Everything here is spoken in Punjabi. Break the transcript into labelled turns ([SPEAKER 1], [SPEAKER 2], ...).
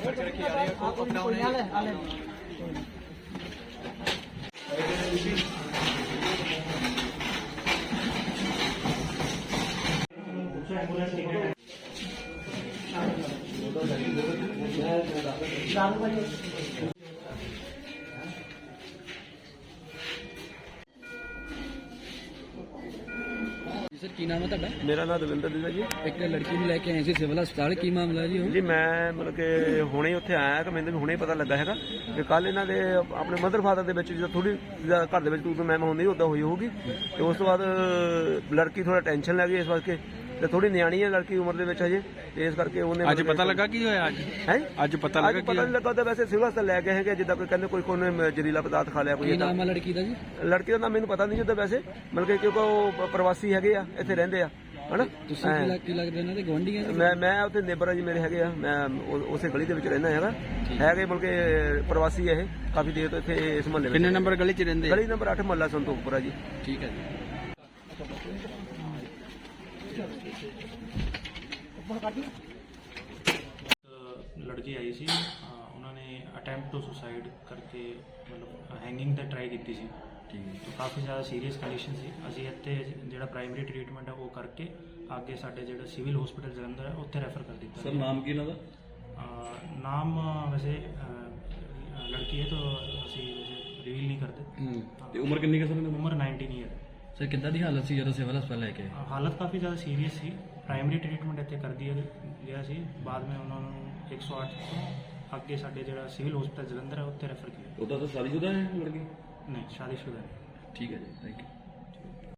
[SPEAKER 1] सर की नाम है तुहाडा?
[SPEAKER 2] मेरा नाम दविंदर है जी।
[SPEAKER 1] एक लड़की ਨੂੰ ਲੈ ਕੇ ਆਏ ਸੀ ਸਿਵਲ ਹਸਪਤਾਲ, ਕੀ ਮਾਮਲਾ ਜੀ?
[SPEAKER 2] जी मैं मतलब कि ਹੁਣੇ ਉੱਥੇ ਆਇਆ ਕਿ ਮੈਨੂੰ ਹੁਣੇ ਪਤਾ ਲੱਗਾ ਹੈਗਾ ਕਿ ਕੱਲ ਇਹਨਾਂ ਦੇ ਆਪਣੇ ਮਦਰ ਫਾਦਰ ਦੇ ਵਿੱਚ ਜਦੋਂ ਥੋੜੀ ਘਰ ਦੇ ਵਿੱਚ ਤੂੰ ਮੈਂ ਹੁੰਦੀ ਉਦਾਂ ਹੋਈ ਹੋਊਗੀ ਤੇ ਉਸ ਤੋਂ ਬਾਅਦ ਲੜਕੀ ਥੋੜਾ ਟੈਨਸ਼ਨ ਲੈ ਗਈ ਇਸ ਵਾਸਤੇ ਤੇ ਥੋੜੀ ਨਿਆਣੀ ਹੈ ਲੜਕੀ ਉਮਰ ਦੇ ਵਿੱਚ ਹਜੇ ਤੇ ਇਸ ਕਰਕੇ ਉਹਨੇ
[SPEAKER 1] ਅੱਜ ਪਤਾ ਲੱਗਾ ਕੀ ਹੋਇਆ? ਅੱਜ ਪਤਾ ਲੱਗਾ
[SPEAKER 2] ਪਤਾ ਨਹੀਂ ਲੱਗਾ ਤਾਂ ਵੈਸੇ ਸਿਵਲ ਹਸਪਤਾਲ ਲੈ ਗਏ ਹੈਗੇ ਜਿੱਦਾਂ ਕੋਈ ਕਹਿੰਦੇ ਕੋਈ ਜ਼ਹਿਰੀਲਾ ਪਦਾਰਥ ਖਾ ਲਿਆ ਕੋਈ।
[SPEAKER 1] ਕੀ ਨਾਮ ਹੈ ਲੜਕੀ ਦਾ ਜੀ?
[SPEAKER 2] ਲੜਕੀ ਦਾ ਨਾਮ ਮੈਨੂੰ ਪਤਾ ਨਹੀਂ ਜਿੱਦਾਂ ਵੈਸੇ ਮਤਲਬ ਕਿ ਕਿਉਂਕਿ ਉਹ ਪ੍ਰਵਾਸੀ ਹੈਗੇ ਆ ਇੱਥੇ ਰਹਿੰਦੇ ਆ ਹਨਾ।
[SPEAKER 1] ਤੁਸੀਂ ਕੀ ਲੱਗਦਾ ਇਹਨਾਂ ਦੇ ਗੁਆਂਢੀ ਆ?
[SPEAKER 2] ਮੈਂ ਉੱਥੇ ਨੇਬਰ ਆ ਜੀ ਮੇਰੇ ਹੈਗੇ ਆ, ਮੈਂ ਉਸੇ ਗਲੀ ਦੇ ਵਿੱਚ ਰਹਿੰਦਾ ਹੈਗਾ ਹੈਗੇ ਬਲਕਿ ਪ੍ਰਵਾਸੀ ਇਹ ਕਾਫੀ ਦੇਰ ਤੋਂ ਇੱਥੇ ਇਸ ਮੁਹੱਲੇ ਵਿੱਚ।
[SPEAKER 1] ਕਿੰਨੇ ਨੰਬਰ ਗਲੀ 'ਚ ਰਹਿੰਦੇ?
[SPEAKER 2] ਗਲੀ ਨੰਬਰ 8 ਮੁਹੱਲਾ ਸੰਤੋਖਪੁਰਾ ਜੀ।
[SPEAKER 1] ਠੀਕ ਹੈ ਜੀ।
[SPEAKER 3] लड़की आई सी उन्होंने अटैम्प्ट टू सुसाइड करके मतलब हैंगिंग दा ट्राई की सी। ठीक है। तो काफ़ी ज़्यादा सीरीयस कंडीशन सी। असीं इत्थे जिहड़ा प्राइमरी ट्रीटमेंट है वो करके आगे साडे जिहड़ा सिविल हॉस्पिटल जलंधर है उत्थे रैफर कर दिता।
[SPEAKER 1] सर नाम की इन्हां दा?
[SPEAKER 3] नाम वैसे लड़की है तो असीं वैसे रिवील नहीं करते।
[SPEAKER 1] ते उम्र कितनी है सर?
[SPEAKER 3] उम्र 19 ईयर।
[SPEAKER 1] सर कितना दी हालत सी ਜਦੋਂ ਸਿਵਲ ਹਸਪਤਾਲ ਲੈ ਕੇ?
[SPEAKER 3] हालत काफ़ी ज़्यादा सीरीयस सी। प्राइमरी ट्रीटमेंट इत्थे कर दिया गया सी। बाद में उन्होंने 108 अगे साडे जिहड़ा सिविल हॉस्पिटल जलंधर है उत्थे रैफर किया।
[SPEAKER 1] ਉਹਦਾ ਤਾਂ ਸ਼ਾਦੀशुदा है लड़की?
[SPEAKER 3] नहीं शादीशुदा है।
[SPEAKER 1] ठीक है जी, थैंक यू।